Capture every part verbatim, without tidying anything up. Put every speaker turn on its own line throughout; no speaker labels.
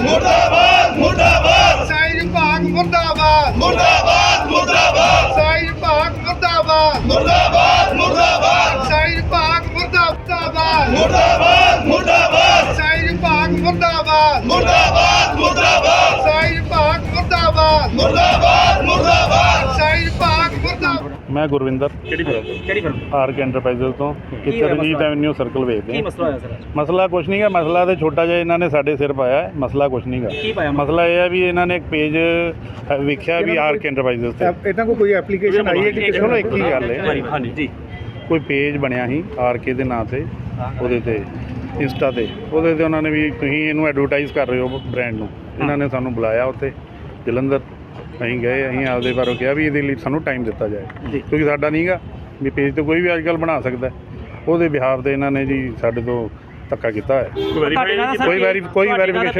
ਮੁਰਦਾਬਾਦ ਮੁਰਦਾਬਾਦ
ਸਾਈ ਵਿਭਾਗ ਮੁਰਦਾਬਾਦ
ਮੁਰਦਾਬਾਦ ਮੁਰਦਾਬਾਦ
ਸਾਈ ਵਿਭਾਗ ਮੁਰਦਾਬਾਦ
ਮੁਰਦਾਬਾਦ ਮੁਰਦਾਬਾਦ
ਸਾਈ ਵਿਭਾਗ ਮੁਰਦਾਬਾਦ
ਮੁਰਦਾਬਾਦ ਮੁਰਦਾਬਾਦ
ਸਾਈ ਵਿਭਾਗ ਮੁਰਦਾਬਾਦ
ਮੁਰਦਾਬਾਦ ਮੁਰਦਾਬਾਦ
ਸਾਈ ਵਿਭਾਗ ਮੁਰਦਾਬਾਦ
ਮੁਰਦਾਬਾਦ ਮੁਰਦਾਬਾਦ
ਸਾਈ ਵਿਭਾਗ ਮੁਰਦਾਬਾਦ।
ਮੈਂ ਗੁਰਵਿੰਦਰ
ਕਿਹੜੀ ਫਿਲਮ ਕਿਹੜੀ ਫਿਲਮ
ਆਰਕ ਐਂਟਰਪ੍ਰਾਈਜ਼ਸ ਤੋਂ
ਕੀ
ਕਿਤੇ
ਹੈ
ਰਣਜੀਤ
ਮਸਲਾ?
ਐਵਨਿਊ ਸਰਕਲ ਵੇਚਦੇ
ਕੀ
ਹਾਂ।
ਮਸਲਾ ਹੋਇਆ ਸਰ
ਮਸਲਾ ਕੁਛ ਨਹੀਂ ਗਾ, ਮਸਲਾ ਤੇ ਛੋਟਾ ਜਿਹਾ ਇਹਨਾਂ ਨੇ ਸਾਡੇ ਸਿਰ ਪਾਇਆ ਹੈ, ਮਸਲਾ ਕੁਛ ਨਹੀਂ ਗਾ।
ਕੀ ਪਾਇਆ ਮਸਲਾ?
ਮਸਲਾ ਇਹ ਹੈ ਵੀ ਇਹਨਾਂ ਨੇ ਇੱਕ ਪੇਜ ਵੇਖਿਆ ਵੀ ਆਰਕ ਐਂਟਰਪ੍ਰਾਈਜ਼ਸ ਤੇ
ਇਹਨਾਂ ਕੋਲ ਕੋਈ ਐਪਲੀਕੇਸ਼ਨ ਆਈ ਹੈ ਕਿ
ਕਿਸੇ ਨੂੰ ਇੱਕ ਹੀ ਗੱਲ ਹੈ,
ਹਾਂਜੀ ਜੀ
ਕੋਈ ਪੇਜ ਬਣਿਆ ਸੀ ਆਰਕੇ ਦੇ ਨਾਂ ਤੇ, ਉਹਦੇ ਤੇ ਇੰਸਟਾ ਤੇ, ਉਹਦੇ ਤੇ ਉਹਨਾਂ ਨੇ ਵੀ ਤੁਸੀਂ ਇਹਨੂੰ ਐਡਵਰਟਾਈਜ਼ ਕਰ ਰਹੇ ਹੋ ਬ੍ਰਾਂਡ ਨੂੰ। ਇਹਨਾਂ ਨੇ ਸਾਨੂੰ ਬੁਲਾਇਆ ਉੱਥੇ ਜਲੰਧਰ, ਅਸੀਂ ਗਏ, ਅਸੀਂ ਆਪਦੇ ਬਾਰੇ ਕਿਹਾ ਵੀ ਇਹਦੇ ਲਈ ਸਾਨੂੰ ਟਾਈਮ ਦਿੱਤਾ ਜਾਏ, ਕਿਉਂਕਿ ਸਾਡਾ ਨਹੀਂ ਗਾ ਵੀ ਪੇਜ ਤੇ ਕੋਈ ਵੀ ਅੱਜ ਕੱਲ੍ਹ ਬਣਾ ਸਕਦਾ। ਉਹਦੇ ਬਿਹਾਫ ਤੇ ਇਹਨਾਂ ਨੇ ਜੀ ਸਾਡੇ ਤੋਂ ਧੱਕਾ ਕੀਤਾ ਹੈ। ਕੋਈ ਵੈਰੀ ਕੋਈ ਵੈਰੀਫਿਕੇਸ਼ਨ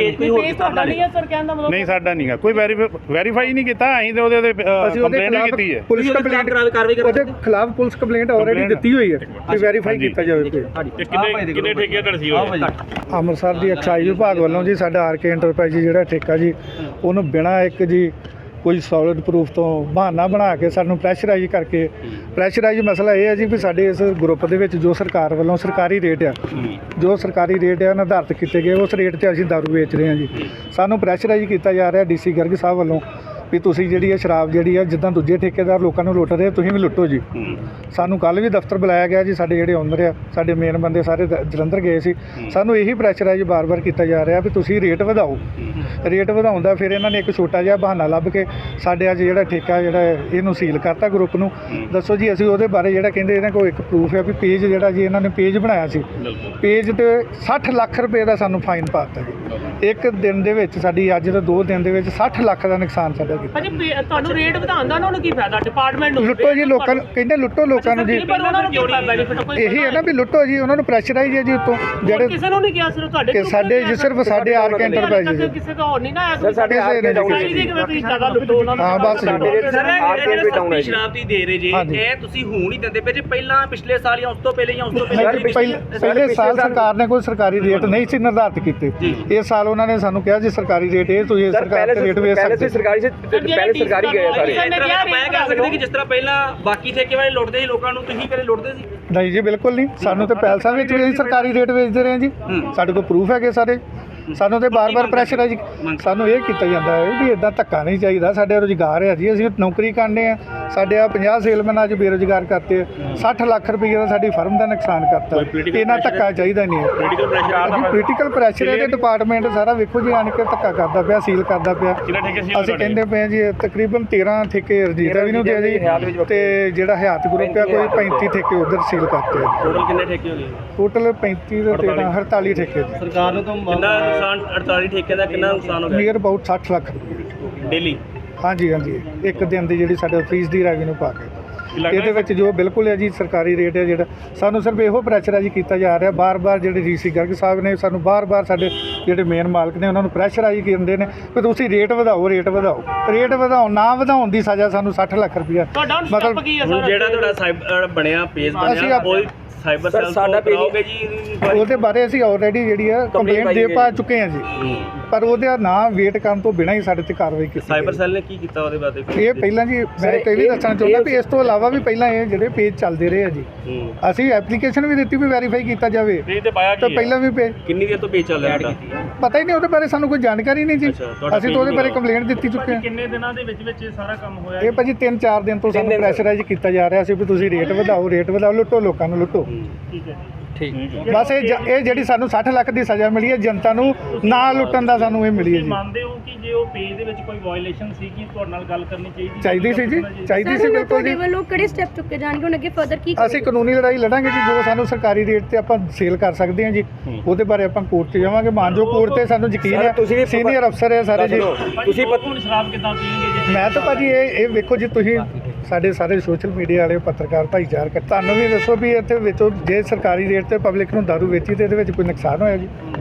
ਨਹੀਂ, ਸਾਡਾ ਨਹੀਂ ਗਾ, ਕੋਈ ਵੈਰੀਫਾਈ ਨਹੀਂ ਕੀਤਾ। ਅਸੀਂ ਤੇ ਉਹਦੇ ਕੰਪਲੇਂਟ ਨਹੀਂ ਕੀਤੀ ਹੈ।
ਪੁਲਿਸ ਕੰਪਲੇਂਟ ਉਹਦੇ ਖਿਲਾਫ ਪੁਲਿਸ ਕੰਪਲੇਂਟ ਆਲਰੇਡੀ ਦਿੱਤੀ ਹੋਈ ਹੈ ਕਿ ਵੈਰੀਫਾਈ ਕੀਤਾ ਜਾਵੇ।
ਕਿੰਨੇ ਕਿੰਨੇ ਠੇਕੇਦਾਰ ਸੀ ਉਹ?
ਅੰਮ੍ਰਿਤਸਰ ਦੀ ਐਕਸਾਈਜ਼ ਵਿਭਾਗ ਵੱਲੋਂ ਜੀ ਸਾਡਾ ਆਰਕੇ ਐਂਟਰਪ੍ਰਾਈਜ਼ ਜਿਹੜਾ ਠੇਕਾ ਜੀ, ਉਹਨੂੰ ਬਿਨਾਂ ਇੱਕ ਜੀ ਕੋਈ ਸੋਲਿਡ ਪ੍ਰੂਫ ਤੋਂ ਬਹਾਨਾ ਬਣਾ ਕੇ ਸਾਨੂੰ ਪ੍ਰੈਸ਼ਰਾਈਜ਼ ਕਰਕੇ, ਪ੍ਰੈਸ਼ਰਾਈਜ਼ ਮਸਲਾ ਇਹ ਹੈ ਜੀ ਵੀ ਸਾਡੇ ਇਸ ਗਰੁੱਪ ਦੇ ਵਿੱਚ ਜੋ ਸਰਕਾਰ ਵੱਲੋਂ ਸਰਕਾਰੀ ਰੇਟ ਆ, ਜੋ ਸਰਕਾਰੀ ਰੇਟ ਆ ਨਿਰਧਾਰਿਤ ਕੀਤੇ ਗਏ, ਉਸ ਰੇਟ 'ਤੇ ਅਸੀਂ ਦਾਰੂ ਵੇਚ ਰਹੇ ਹਾਂ ਜੀ। ਸਾਨੂੰ ਪ੍ਰੈਸ਼ਰਾਈਜ਼ ਕੀਤਾ ਜਾ ਰਿਹਾ ਡੀਸੀ ਗਰਗ ਸਾਹਿਬ ਵੱਲੋਂ ਵੀ ਤੁਸੀਂ ਜਿਹੜੀ ਹੈ ਸ਼ਰਾਬ ਜਿਹੜੀ ਹੈ ਜਿੱਦਾਂ ਦੂਜੇ ਠੇਕੇਦਾਰ ਲੋਕਾਂ ਨੂੰ ਲੁੱਟ ਰਹੇ, ਤੁਸੀਂ ਵੀ ਲੁੱਟੋ ਜੀ। ਸਾਨੂੰ ਕੱਲ੍ਹ ਵੀ ਦਫ਼ਤਰ ਬੁਲਾਇਆ ਗਿਆ ਜੀ, ਸਾਡੇ ਜਿਹੜੇ ਓਨਰ ਆ, ਸਾਡੇ ਮੇਨ ਬੰਦੇ ਸਾਰੇ ਦ- ਜਲੰਧਰ ਗਏ ਸੀ। ਸਾਨੂੰ ਇਹੀ ਪ੍ਰੈਸ਼ਰਾਈਜ਼ ਬਾਰ-ਬਾਰ ਕੀਤਾ ਜਾ ਰਿਹਾ ਵੀ ਤੁਸੀਂ ਰੇਟ ਵਧਾਓ। ਰੇਟ ਵਧਾਉਂਦਾ ਫਿਰ ਇਹਨਾਂ ਨੇ ਇੱਕ ਛੋਟਾ ਜਿਹਾ ਬਹਾਨਾ ਲੱਭ ਕੇ ਸਾਡੇ ਅੱਜ ਜਿਹੜਾ ਠੇਕਾ ਜਿਹੜਾ ਹੈ, ਇਹਨੂੰ ਸੀਲ ਕਰਤਾ ਗਰੁੱਪ ਨੂੰ। ਦੱਸੋ ਜੀ ਅਸੀਂ ਉਹਦੇ ਬਾਰੇ ਜਿਹੜਾ ਕਹਿੰਦੇ ਇਹਨਾਂ ਕੋਲ ਇੱਕ ਪ੍ਰੂਫ ਹੈ ਵੀ ਪੇਜ ਜਿਹੜਾ ਜੀ ਇਹਨਾਂ ਨੇ ਪੇਜ ਬਣਾਇਆ ਸੀ, ਪੇਜ ਤੇ ਸੱਠ ਲੱਖ ਰੁਪਏ ਦਾ ਸਾਨੂੰ ਫਾਈਨ ਪਾ ਦਿੱਤਾ ਜੀ। ਇੱਕ ਦਿਨ ਦੇ ਵਿੱਚ ਸਾਡੀ ਅੱਜ ਤੋਂ ਦੋ ਦਿਨ ਦੇ ਵਿੱਚ ਸੱਠ ਲੱਖ ਦਾ ਨੁਕਸਾਨ ਸਾਡਾ ਕੀਤਾ।
ਤੁਹਾਨੂੰ ਰੇਟ ਵਧਾਉਣ ਦਾ ਉਹਨਾਂ ਨੂੰ ਕੀ ਫਾਇਦਾ? ਡਿਪਾਰਟਮੈਂਟ ਨੂੰ
ਲੁੱਟੋ ਜੀ ਲੋਕਾਂ ਨੂੰ, ਕਹਿੰਦੇ ਲੁੱਟੋ ਲੋਕਾਂ ਨੂੰ ਜੀ।
ਪਰ ਉਹਨਾਂ ਨੂੰ ਕੀ ਬੈਨੀਫਿਟ? ਕੋਈ
ਇਹੀ ਹੈ ਨਾ ਵੀ ਲੁੱਟੋ ਜੀ, ਉਹਨਾਂ ਨੂੰ ਪ੍ਰੈਸ਼ਰਾਈਜ਼ ਹੈ ਜੀ ਉੱਤੋਂ ਜਿਹੜੇ
ਕਿਸੇ ਨੂੰ ਨਹੀਂ ਕਿਹਾ, ਸਿਰਫ ਤੁਹਾਡੇ
ਕਿ ਸਾਡੇ ਜੀ ਸਿਰਫ ਸਾਡੇ ਆਰਕ ਐਂਟਰਪ੍ਰਾਈਜ਼ ਜੀ।
ਕਿਸੇ ਦਾ ਹੋਰ ਨਹੀਂ ਨਾ ਆਇਆ।
ਸਰ ਸਾਡੇ ਆਰਕ
ਕਿਵੇਂ ਤੁਸੀਂ ਜ਼ਿਆਦਾ ਲੁੱਟੋ ਉਹਨਾਂ ਨੂੰ?
ਹਾਂ ਬਸ ਜੀ।
ਸਰ ਇਹ ਸਸਤੀ ਸ਼ਰਾਬ ਦੀ ਦੇ ਰਹੇ ਜੀ,
ਹਾਂਜੀ।
ਇਹ ਤੁਸੀਂ ਹੁਣ ਹੀ ਦਿੰਦੇ ਪਏ ਜੇ ਪਹਿਲਾਂ ਪਿਛਲੇ ਸਾਲ ਜਾਂ ਉਸ ਤੋਂ ਪਹਿਲੇ ਜਾਂ ਉਸ ਤੋਂ
ਪਹਿਲੇ
ਪਹਿਲੇ
ਪਹਿਲੇ ਸਾਲ ਸਰਕਾਰ ਨੇ ਕੋਈ ਸਰਕਾਰੀ ਰੇਟ ਨਹੀਂ ਸੀ ਨਿਰਧਾਰਿਤ ਕੀਤੇ। ਇਸ ਸਾਲ ਉਹਨਾਂ ਨੇ ਸਾਨੂੰ ਕਿਹਾ ਜੀ ਸਰਕਾਰੀ ਰੇਟ ਇਹ ਤੁਸੀਂ ਸਰਕਾਰ ਦੇ ਰੇਟ ਵੇਚ ਸਕਦੇ।
ਸਰਕਾਰੀ ਸੇ ਪਹਿਲੇ ਸਰਕਾਰੀ ਗਏ ਸਾਰੇ।
ਕਿਸੇ ਨੇ ਕਿਹਾ
ਮੈਂ ਕਹਿ ਸਕਦੇ ਕਿ ਜਿਸ ਤਰ੍ਹਾਂ ਪਹਿਲਾਂ ਬਾਕੀ ਠੇਕੇ ਵਾਲੇ ਲੁੱਟਦੇ ਸੀ ਲੋਕਾਂ ਨੂੰ, ਤੁਸੀਂ ਕਦੇ ਲੁੱਟਦੇ ਸੀ?
ਨਹੀਂ ਜੀ ਬਿਲਕੁਲ ਨਹੀਂ, ਸਾਨੂੰ ਤੇ ਪੈਲਸਾਂ ਵਿੱਚ ਵੀ ਅਸੀਂ ਸਰਕਾਰੀ ਰੇਟ ਵੇਚਦੇ ਰਹੇ ਜੀ। ਸਾਡੇ ਕੋਲ ਪ੍ਰੂਫ ਹੈਗੇ ਸਾਰੇ। ਸਾਨੂੰ ਤੇ ਬਾਰ-ਬਾਰ ਪ੍ਰੈਸ਼ਰਾਈਜ਼, ਸਾਨੂੰ ਇਹ ਕੀਤਾ ਜਾਂਦਾ ਹੈ ਵੀ ਇਦਾਂ ਧੱਕਾ ਨਹੀਂ ਚਾਹੀਦਾ। ਸਾਡੇ ਰੁਜ਼ਗਾਰ ਹੈ ਜੀ, ਅਸੀਂ ਨੌਕਰੀ ਕਰਨੇ ਆ। ਸਾਡੇ ਆ ਪੰਜਾਹ ਸੇਲਮੈਨ ਅੱਜ ਬੇਰੁਜ਼ਗਾਰ ਕਰਤੇ ਆ। ਸੱਠ ਲੱਖ ਰੁਪਏ ਦਾ ਸਾਡੀ ਫਰਮ ਦਾ ਨੁਕਸਾਨ ਕਰਤਾ। ਇਹਨਾਂ ਧੱਕਾ ਚਾਹੀਦਾ ਨਹੀਂ ਹੈ। ਪੋਲੀਟੀਕਲ ਪ੍ਰੈਸ਼ਰ ਹੈ ਤੇ ਡਿਪਾਰਟਮੈਂਟ ਸਾਰਾ ਵੇਖੋ ਜੀ ਆਣ ਕੇ ਧੱਕਾ ਕਰਦਾ ਪਿਆ, ਸੀਲ ਕਰਦਾ ਪਿਆ। ਅਸੀਂ ਕਹਿੰਦੇ ਪਏ ਜੀ ਤਕਰੀਬਨ ਤੇਰ੍ਹਾਂ ਠੇਕੇ ਰਣਜੀਤ ਵੀ ਨੂੰ ਦੇ ਜੀ, ਤੇ ਜਿਹੜਾ ਹਯਾਤ ਗਰੁੱਪ ਆ ਕੋਈ ਪੈਂਤੀ ਠੇਕੇ ਉਧਰ ਸੀਲ ਕਰਤੇ।
ਟੋਟਲ ਕਿੰਨੇ ਠੇਕੇ ਹੋ ਗਏ?
ਟੋਟਲ ਪੈਂਤੀ ਤੇ ਤੇਰ੍ਹਾਂ ਅੜਤਾਲੀ ਠੇਕੇ ਜੀ।
ਸਰਕਾਰ ਨੂੰ ਤਾਂ ਕਿੰਨਾ ਨੁਕਸਾਨ, ਅੜਤਾਲੀ ਠੇਕੇ ਦਾ ਕਿੰਨਾ ਨੁਕਸਾਨ ਹੋ ਗਿਆ?
ਨੀਅਰ ਅਬਾਊਟ ਸੱਠ ਲੱਖ ਰੁਪਏ
ਡੇਲੀ।
ਹਾਂਜੀ ਹਾਂਜੀ, ਇੱਕ ਦਿਨ ਦੀ ਜਿਹੜੀ ਸਾਡੇ ਫੀਸ ਦੀ ਰੈਵਨਿਊ ਪਾ ਕੇ। ਇਹਦੇ ਵਿੱਚ ਜੋ ਬਿਲਕੁਲ ਹੈ ਜੀ ਸਰਕਾਰੀ ਰੇਟ ਹੈ ਜਿਹੜਾ, ਸਾਨੂੰ ਸਿਰਫ ਇਹੋ ਪ੍ਰੈਸ਼ਰਾਈਜ਼ ਕੀਤਾ ਜਾ ਰਿਹਾ ਬਾਰ-ਬਾਰ। ਜਿਹੜੇ ਡੀਸੀ ਗਰਗ ਸਾਹਿਬ ਨੇ ਸਾਨੂੰ ਬਾਰ-ਬਾਰ ਸਾਡੇ ਜਿਹੜੇ ਮੇਨ ਮਾਲਕ ਨੇ ਉਹਨਾਂ ਨੂੰ ਪ੍ਰੈਸ਼ਰਾਈਜ਼ ਕਰਦੇ ਨੇ ਕਿ ਤੁਸੀਂ ਰੇਟ ਵਧਾਓ, ਰੇਟ ਵਧਾਓ। ਰੇਟ ਵਧਾਓ ਨਾ ਵਧਾਉਣ ਦੀ ਸਜ਼ਾ ਸਾਨੂੰ ਸੱਠ ਲੱਖ ਰੁਪਇਆ।
ਮਤਲਬ ਕੀ ਹੈ ਸਰ?
ਜਿਹੜਾ ਤੁਹਾਡਾ ਸਾਈਬਰ ਬਣਿਆ ਪੇਜ
ਅਸੀਂ
ਬਣਿਆ
ਆਪ-
ਕੋਈ ਸਾਈਬਰ ਸੈੱਲ ਤੋਂ ਕਰਾਓਗੇ ਜੀ?
ਉਹਦੇ ਬਾਰੇ ਅਸੀਂ ਆਲਰੇਡੀ ਜਿਹੜੀ ਹੈ ਕੰਪਲੇਂਟ ਦੇ ਪਾ ਚੁੱਕੇ ਹਾਂ ਜੀ, ਪਰ ਉਹਦਾ ਨਾਂ ਵੇਟ ਕਰਨ ਤੋਂ ਬਿਨਾਂ ਹੀ ਸਾਡੇ ਤੇ ਕਾਰਵਾਈ ਕੀਤੀ।
ਸਾਈਬਰ ਸੈੱਲ ਨੇ ਕੀ ਕੀਤਾ ਉਹਦੇ ਬਾਰੇ?
ਇਹ ਪਹਿਲਾਂ ਜੀ ਮੈਂ ਇਹ ਵੀ ਦੱਸਣਾ ਚਾਹੁੰਦਾ ਵੀ ਇਸ ਤੋਂ ਇਲਾਵਾ ਵੀ ਪਹਿਲਾਂ ਇਹ ਜਿਹੜੇ ਪੇਜ ਚੱਲਦੇ ਰਹੇ ਆ ਜੀ, ਅਸੀਂ ਐਪਲੀਕੇਸ਼ਨ ਵੀ ਦਿੱਤੀ ਵੀ ਵੈਰੀਫਾਈ ਕੀਤਾ ਜਾਵੇ। ਤਾਂ ਪਹਿਲਾਂ ਵੀ ਪੇਜ
ਕਿੰਨੀ ਦੇਰ ਤੋਂ ਪੇਜ ਚੱਲ ਰਿਹਾ ਤੁਹਾਡਾ?
ਪਤਾ ਹੀ ਨਹੀਂ, ਉਹਦੇ ਬਾਰੇ ਸਾਨੂੰ ਕੋਈ ਜਾਣਕਾਰੀ ਨਹੀਂ ਜੀ। ਅਸੀਂ ਤਾਂ ਉਹਦੇ ਬਾਰੇ ਕੰਪਲੇਂਟ ਦਿੱਤੀ ਚੁੱਕੇ ਹਾਂ।
ਕਿੰਨੇ ਦਿਨਾਂ ਦੇ ਵਿੱਚ ਵਿੱਚ ਇਹ ਸਾਰਾ ਕੰਮ ਹੋਇਆ?
ਇਹ ਭਾਜੀ ਤਿੰਨ ਚਾਰ ਦਿਨ ਤੋਂ ਸਾਨੂੰ ਪ੍ਰੈਸ਼ਰਾਈਜ਼ ਕੀਤਾ ਜਾ ਰਿਹਾ ਸੀ ਵੀ ਤੁਸੀਂ ਰੇਟ ਵਧਾਓ, ਰੇਟ ਵਧਾਓ, ਲੁੱਟੋ ਲੋਕਾਂ ਨੂੰ, ਲੁੱਟੋ।
ਠੀਕ ਹੈ
ਠੀਕ।
ਬਸ ਇਹ ਜ- ਇਹ ਜਿਹੜੀ ਸਾਨੂੰ ਸੱਠ ਲੱਖ ਦੀ ਸਜ਼ਾ ਮਿਲੀ ਹੈ ਜਨਤਾ ਨੂੰ ਨਾ ਲੁੱਟਣ ਦਾ ਸਾਨੂੰ ਇਹ ਮਿਲੀ ਹੈ ਜੀ।
ਮੰਨਦੇ ਹੋ ਕਿ ਜੇ ਉਹ ਪੇਜ ਦੇ ਵਿੱਚ ਕੋਈ ਵਾਇਓਲੇਸ਼ਨ ਸੀ ਕਿ ਤੁਹਾਡੇ ਨਾਲ ਗੱਲ ਕਰਨੀ ਚਾਹੀਦੀ
ਚਾਹੀਦੀ ਸੀ ਜੀ, ਚਾਹੀਦੀ ਸੀ
ਸਰ
ਬਿਲਕੁਲ
ਤੁਹਾਡੇ
ਜੀ।
ਵੱਲੋਂ ਕਿਹੜੇ ਸਟੈਪ ਚੁੱਕੇ ਜਾਣਗੇ ਹੁਣ ਅੱਗੇ ਫਰਦਰ ਕੀ?
ਅਸੀਂ ਕਾਨੂੰਨੀ ਲੜਾਈ ਲੜਾਂਗੇ ਜੀ, ਜੋ ਸਾਨੂੰ ਸਰਕਾਰੀ ਰੇਟ ਤੇ ਆਪਾਂ ਸੇਲ ਕਰ ਸਕਦੇ ਹਾਂ ਜੀ, ਉਹਦੇ ਬਾਰੇ ਆਪਾਂ ਕੋਰਟ 'ਚ ਜਾਵਾਂਗੇ। ਮਾਨਜੋ ਕੋਰਟ ਤੇ ਸਾਨੂੰ ਯਕੀਨ ਹੈ, ਸੀਨੀਅਰ ਅਫਸਰ ਹੈ ਸਾਰੇ ਜੀ।
ਤੁਸੀਂ ਹੁਣ ਸ਼ਰਾਬ ਕਿੱਦਾਂ ਪੀਣਗੇ?
ਮੈਂ ਤਾਂ ਭਾਜੀ ਇਹ ਇਹ ਵੇਖੋ ਜੀ, ਤੁਸੀਂ ਸਾਡੇ ਸਾਰੇ ਸੋਸ਼ਲ ਮੀਡੀਆ ਵਾਲੇ ਪੱਤਰਕਾਰ ਭਾਈਚਾਰਕ, ਤੁਹਾਨੂੰ ਵੀ ਦੱਸੋ ਵੀ ਇੱਥੇ ਵਿੱਚੋਂ ਜੇ ਸਰਕਾਰੀ ਰੇਟ ਤੇ ਪਬਲਿਕ ਨੂੰ ਦਾਰੂ ਵੇਚੀ ਤੇ ਇਹਦੇ ਵਿੱਚ ਕੋਈ ਨੁਕਸਾਨ ਹੋਇਆ ਜੀ?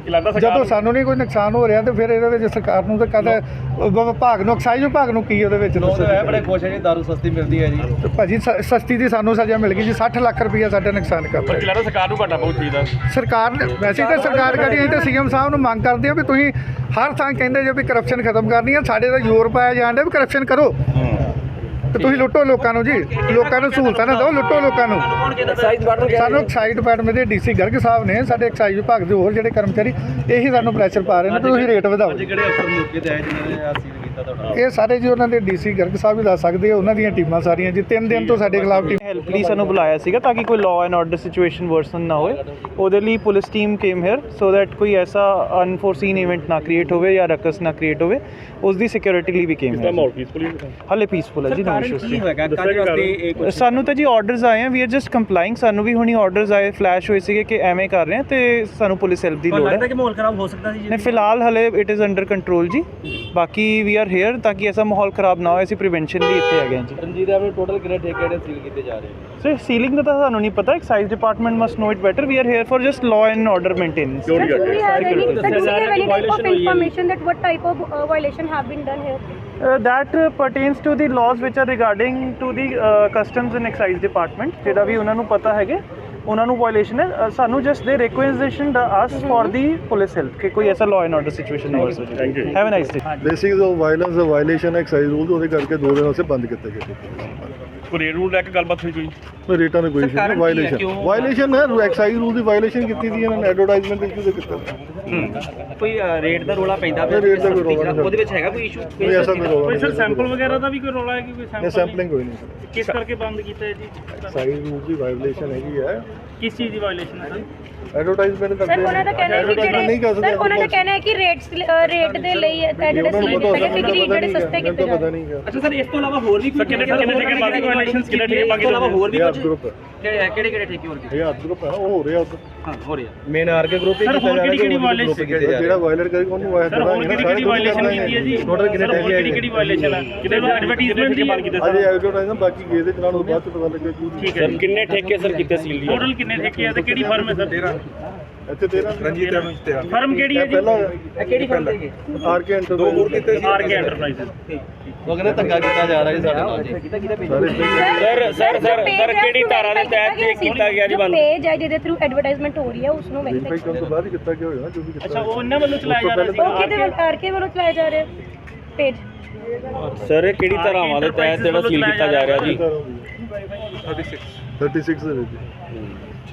ਲੱਗਦਾ ਸਰਕਾਰ
ਜਦੋਂ ਸਾਨੂੰ ਨਹੀਂ ਕੋਈ ਨੁਕਸਾਨ ਹੋ ਰਿਹਾ ਤੇ ਫਿਰ ਇਹਦੇ ਵਿੱਚ ਸਰਕਾਰ ਨੂੰ ਤਾਂ ਕਦੇ ਵਿਭਾਗ ਨੂੰ ਐਕਸਾਈਜ਼ ਵਿਭਾਗ ਨੂੰ ਕੀ ਉਹਦੇ ਵਿੱਚ ਦੱਸੋ ਜੀ।
ਬੜੇ ਖੁਸ਼ ਹੈ ਜੀ ਦਾਰੂ ਸਸਤੀ ਮਿਲਦੀ ਹੈ ਜੀ।
ਤੇ ਭਾਜੀ ਸ- ਸਸਤੀ ਦੀ ਸਾਨੂੰ ਸਜ਼ਾ ਮਿਲ ਗਈ ਜੀ ਸੱਠ ਲੱਖ ਰੁਪਈਆ ਸਾਡਾ ਨੁਕਸਾਨ ਕਰਤਾ
ਪਰ ਲੱਗਦਾ ਸਰਕਾਰ ਨੂੰ ਘਾਟਾ ਬਹੁਤ ਚਾਹੀਦਾ।
ਸਰਕਾਰ ਨੇ ਵੈਸੇ ਤਾਂ ਸਰਕਾਰ ਕਰੀ ਅਸੀਂ ਤਾਂ ਸੀਐਮ ਸਾਹਿਬ ਨੂੰ ਮੰਗ ਕਰਦੇ ਹਾਂ ਵੀ ਤੁਸੀਂ ਹਰ ਥਾਂ ਕਹਿੰਦੇ ਜੇ ਵੀ ਕਰਪਸ਼ਨ ਖਤਮ ਕਰਨੀ ਹੈ ਸਾਡੇ ਤਾਂ ਜ਼ੋਰ ਪਾਇਆ ਜਾਣ ਡਿਆ ਵੀ ਕਰਪਸ਼ਨ ਕਰੋ ਤੇ ਤੁਸੀਂ ਲੁੱਟੋ ਲੋਕਾਂ ਨੂੰ ਜੀ ਲੋਕਾਂ ਨੂੰ ਸਹੂਲਤਾਂ ਨਾ ਦਿਓ ਲੁੱਟੋ ਲੋਕਾਂ ਨੂੰ।
ਕੌਣ ਕਹਿੰਦਾ ਐਕਸਾਈਜ਼
ਸਾਨੂੰ ਐਕਸਾਈਜ਼ ਡਿਪਾਰਟਮੈਂਟ ਦੇ ਡੀਸੀ ਗਰਗ ਸਾਹਿਬ ਨੇ ਸਾਡੇ ਐਕਸਾਈਜ਼ ਵਿਭਾਗ ਦੇ ਹੋਰ ਜਿਹੜੇ ਕਰਮਚਾਰੀ ਇਹੀ ਸਾਨੂੰ ਪ੍ਰੈਸ਼ਰ ਪਾ ਰਹੇ ਨੇ ਵੀ ਤੁਸੀਂ ਰੇਟ ਵਧਾਓ।
ਅੱਜ ਕਿਹੜੇ ਅਫਸਰ ਮੌਕੇ ਤੇ ਆਏ ਜਿਨ੍ਹਾਂ ਨੇ ਆ ਸੀਲ ਕੀਤਾ ਤੁਹਾਡਾ?
ਇਹ ਸਾਰੇ ਜੀ ਉਹਨਾਂ ਦੇ ਡੀਸੀ ਗਰਗ ਸਾਹਿਬ ਵੀ ਦੱਸ ਸਕਦੇ ਆ ਉਹਨਾਂ ਦੀਆਂ ਟੀਮਾਂ ਸਾਰੀਆਂ ਜੀ ਤਿੰਨ ਦਿਨ ਤੋਂ ਸਾਡੇ ਖਿਲਾਫ ਟੀਮ
ਹੈਲਪ ਲਈ ਸਾਨੂੰ ਬੁਲਾਇਆ ਸੀਗਾ ਤਾਂ ਕਿ ਕੋਈ law and order situation worsen ਨਾ ਹੋਏ। ਉਹਦੇ ਲਈ police team came here so that ਕੋਈ ਐਸਾ ਅਨਫੋਰਸੀਨ ਇਵੈਂਟ ਨਾ ਕ੍ਰੀਏਟ ਹੋਵੇ ਜਾਂ ਰਕਸ ਨਾ ਕ੍ਰੀਏਟ ਹੋਵੇ। ਉਸ ਦੀ ਸਿਕਿਉਰਿਟੀ ਲਈ ਵੀ ਕੇਮ ਹੇਅਰ।
ਮਾਹੌਲ ਪੀਸਫੁਲੀ
ਹਾਲੇ ਪੀਸਫੁਲ ਹੈ ਜੀ ਨੋ ਇਸ਼ੂਸ।
ਕੀ ਹੋਏਗਾ ਕਾਹਦੇ ਵਾਸਤੇ ਇਹ ਕੁਛ?
ਸਾਨੂੰ ਤਾਂ ਜੀ ਆਰਡਰਸ ਆਏ ਆ ਵੀ ਆਰ ਜਸਟ ਕੰਪਲਾਈਂਗ। ਸਾਨੂੰ ਵੀ ਹੁਣੀ ਆਰਡਰਸ ਆਏ ਫਲੈਸ਼ ਹੋਏ ਸੀਗੇ ਕਿ ਐਵੇਂ ਕਰ ਰਹੇ ਆ ਤੇ ਸਾਨੂੰ ਪੁਲਿਸ ਹੈਲਪ ਦੀ ਲੋੜ ਹੈ।
ਲੱਗਦਾ ਕਿ ਮਾਹੌਲ ਖਰਾਬ ਹੋ ਸਕਦਾ ਸੀ
ਨਹੀਂ ਫਿਲਹਾਲ ਹਲੇ ਇਟ ਇਜ਼ ਅੰਡਰ ਕੰਟਰੋਲ ਜੀ। ਬਾਕੀ ਵੀ ਆਰ ਹੇਅਰ ਤਾਂ ਕਿ ਐਸਾ ਮਾਹੌਲ ਖਰਾਬ ਨਾ ਹੋਏ। ਅਸੀਂ ਪ੍ਰੀਵੈਂਸ਼ਨ ਲਈ ਇੱਥੇ ਹੈਗੇ ਹਾਂ ਜੀ।
ਰਣਜੀਤ ਆਪਣੇ ਟੋਟਲ ਕਿੰਨੇ ਠੇਕੇ ਜਿਹੜੇ ਸੀਲ ਕੀਤੇ ਜਾ ਰਹੇ ਨੇ?
ਸਰ ਸੀਲਿੰਗ ਦਾ ਤਾਂ ਸਾਨੂੰ ਨਹੀਂ ਪਤਾ। Excise department must know it better. We are here for just law and order maintenance.
Sir, do we have any, sir, do we have any type of information that what type of uh, violation have been done here?
Uh, that uh, pertains to the laws which are regarding to the uh, customs and excise department ਜਿਹੜਾ ਵੀ ਉਹਨਾਂ ਨੂੰ ਪਤਾ ਹੈਗੇ ਉਹਨਾਂ ਨੂੰ violation ਹੈ। ਅ, ਸਾਨੂੰ just ਦੇ ਰਿਕੁਐਜ਼ੀਸ਼ਨ ਦਾ ਆਸ ਫॉर ਦੀ ਪੁਲਿਸ ਹੈਲਪ ਕਿ ਕੋਈ ਐਸਾ ਲਾਅ ਐਂਡ ਆਰਡਰ ਸਿਚੁਏਸ਼ਨ ਨਾ ਹੋ ਸਕੇ।
Thank you.
Have a nice day.
Basic violence violation excise rule ਉਹਦੇ ਕਰਕੇ ਦੋ ਦਿਨ ਵਾਸਤੇ ਬੰਦ ਕੀਤੇ ਗਏ।
ਕੋਈ ਰੇਟ ਰੂਲ ਲੈ ਕੇ ਗੱਲਬਾਤ ਹੋਈ ਕੋਈ?
ਕੋਈ ਰੇਟਾਂ ਦੀ ਕੋਈ ਇਸ਼ੂ ਨਹੀਂ ਵਾਇਲੇਸ਼ਨ ਵਾਇਲੇਸ਼ਨ ਹੈ ਐਕਸਾਈਜ਼ ਰੂਲ ਦੀ ਵਾਇਲੇਸ਼ਨ ਕੀਤੀ ਦੀ ਇਹਨਾਂ ਨੇ ਐਡਵਰਟਾਈਜ਼ਮੈਂਟ ਇਸ਼ੂ ਦੇ ਕੀਤਾ
ਕੋਈ ਰੇਟ ਦਾ ਰੋਲਾ ਪੈਂਦਾ
ਨਹੀਂ, ਰੇਟ ਦਾ ਕੋਈ ਰੌਲਾ ਨਹੀਂ।
ਉਹਦੇ ਵਿੱਚ ਹੈਗਾ ਕੋਈ ਇਸ਼ੂ?
ਕੋਈ ਐਸਾ ਕੋਈ ਰੌਲਾ
ਕੋਈ ਸਰ
ਨਹੀਂ
ਸੈਂਪਲ ਵਗੈਰਾ ਦਾ ਵੀ ਕੋਈ ਰੌਲਾ ਹੈ ਕਿ ਕੋਈ
ਨਹੀਂ
ਸੈਂਪਲ
ਸੈਂਪਲਿੰਗ ਕੋਈ ਨਹੀਂ
ਕਿਸ ਕਰਕੇ ਬੰਦ ਕੀਤਾ ਹੈ ਜੀ?
ਐਕਸਾਈਜ਼ ਰੂਲ ਦੀ ਵਾਇਲੇਸ਼ਨ ਹੈਗੀ ਹੈ
ਕਿਸ ਚੀਜ਼ ਦੀ ਵਾਇਲੇਸ਼ਨ ਹੈ ਸਰ?
ਐਡਵਰਟਾਈਜ਼ਮੈਂਟ ਕਰਦੇ
ਸਰ ਉਹਨਾਂ ਦਾ ਕਹਿਣਾ ਹੈ ਕਿ
ਨਹੀਂ ਕਰ
ਜਿਹੜੇ
ਸਕਦੇ
ਸਰ ਉਹਨਾਂ ਦਾ ਕਹਿਣਾ ਹੈ ਕਿ ਰੇਟਸ ਰੇਟ ਦੇ ਲਈ ਇਹ ਜਿਹੜੇ
ਉਹਨਾਂ ਨੂੰ
ਸੀਲ
ਪਤਾ
ਕੀਤੇ ਗਏ
ਹੋਊਗਾ,
ਕਿ ਜਿਹੜੇ ਸਸਤੇ ਕੀਤੇ
ਪਤਾ
ਜਾਂਦੇ।
ਨਹੀਂ ਹੈ
ਅੱਛਾ ਸਰ ਇਸ ਤੋਂ ਇਲਾਵਾ ਹੋਰ ਵੀ ਕੋਈ
ਕਿੰਨੇ ਕਿੰਨੇ ਠੇਕੇ ਬਾਕੀ ਵਾਇਲੇਸ਼ਨ ਕਿੰਨੇ ਠੇਕੇ ਬਾਕੀ
ਇਸ ਤੋਂ ਇਲਾਵਾ ਹੋਰ ਵੀ
ਇਹ
ਕੁਝ
ਗਰੁੱਪ ਹੈ
ਕਿਹੜੇ ਕਿਹੜੇ ਕਿਹੜੇ ਠੇਕੇ ਹੋਰ
ਇਹ ਹੱਥ ਗਰੁੱਪ ਹੈ ਉਹ ਹੋ ਰਿਹਾ ਉੱਧਰ।
ਹਾਂ ਹੋ ਰਿਹਾ
ਮੇਨ ਆਰਕੇ ਗਰੁੱਪ ਹੀ
ਸਰ,
ਕੀਤਾ
ਹੋਰ
ਜਾ ਰਿਹਾ
ਕਿਹੜੀ-ਕਿਹੜੀ
ਕਿ ਉਹਦੇ
violation
group ਕੀਤੇ ਜਾ ਰਹੇ
ਜਿਹੜਾ ਵਾਇਲੇਟ ਕਰੇਗਾ ਉਹਨੂੰ ਵਾਇਲੇਟ
ਸਰ ਹੋਰ ਕਿਹੜੀ ਕਿਹੜੀ ਵਾਇਲੇਸ਼ਨ ਕੀਤੀ ਹੈ ਜੀ?
Total ਕਿੰਨੇ
ਸਰ, ਹੋਰ
ਠੇਕੇ
ਕਿਹੜੀ ਕਿਹੜੀ ਵਾਇਲੇਸ਼ਨ ਹੈ? ਕਿਹੜੇ ਐਡਵਰਟਾਈਜ਼ਮੈਂਟ ਦੀ ਬਾਤ ਕੀਤੇ
ਅਜੇ
ਸਰ?
ਐਡਵਰਟਾਈਜ਼ਮੈਂਟ ਬਾਕੀ ਗਏ ਦੇ ਚਲਾਣ ਤੋਂ ਬਾਅਦ ਚ ਪਤਾ ਲੱਗਿਆ ਕਿ
ਠੀਕ ਹੈ ਕਿੰਨੇ ਠੇਕੇ ਸਰ ਕੀਤੇ ਸੀਲ ਦੀ? ਟੋਟਲ ਕਿੰਨੇ ਠੇਕੇ ਆ ਤੇ ਕਿਹੜੀ ਫਰਮ ਹੈ ਸਰ?
ਇੱਥੇ ਤੇਰਾਂ ਰਣਜੀਤ
ਫਰਮ ਕਿਹੜੀ ਹੈ ਜੀ?
ਪਹਿਲਾਂ
ਇਹ ਕਿਹੜੀ ਫਰਮ ਹੈ?
ਆਰ ਕੇ ਐਂਟਰ ਦੋ ਹੋਰ ਕੀਤੇ
ਆਰ ਕੇ ਐਂਟਰਪ੍ਰਾਈਜ਼ਸ।
ਉਹ ਕਹਿੰਦੇ ਧੱਕਾ ਕੀਤਾ ਜਾ ਰਿਹਾ ਜੀ ਸਾਡੇ ਨਾਲ ਜੀ।
ਸਰ ਸਰ ਸਰ ਕਿਹੜੀ ਧਾਰਾ ਦੇ ਤਹਿਤ ਇਹ ਕੀਤਾ ਗਿਆ ਜੀ ਬੰਦ? ਪੇਜ ਹੈ ਜਿਹਦੇ ਥਰੂ ਐਡਵਰਟਾਈਜ਼ਮੈਂਟ ਹੋ ਰਹੀ ਹੈ ਉਸ ਨੂੰ
ਵੈਰੀਫਾਈ ਕਰਨ ਤੋਂ ਬਾਅਦ ਹੀ ਕੀਤਾ ਗਿਆ ਹੋਇਆ ਜੋ ਵੀ ਕੀਤਾ
ਅੱਛਾ ਉਹ ਇਹਨਾਂ ਵੱਲੋਂ ਚਲਾਇਆ ਜਾ ਰਿਹਾ ਸੀ?
ਉਹ ਕਿਹਦੇ ਵੱਲ ਆਰਕੇ ਵੱਲੋਂ ਚਲਾਏ ਜਾ ਰਹੇ ਪੇਜ?
ਸਰ ਕਿਹੜੀ ਧਾਰਾਵਾਂ ਦੇ ਤਹਿਤ ਜਿਹੜਾ ਸੀਲ ਕੀਤਾ ਜਾ ਰਿਹਾ ਜੀ?
ਥਰਟੀ ਸਿਕਸ ਦੇ ਵਿੱਚ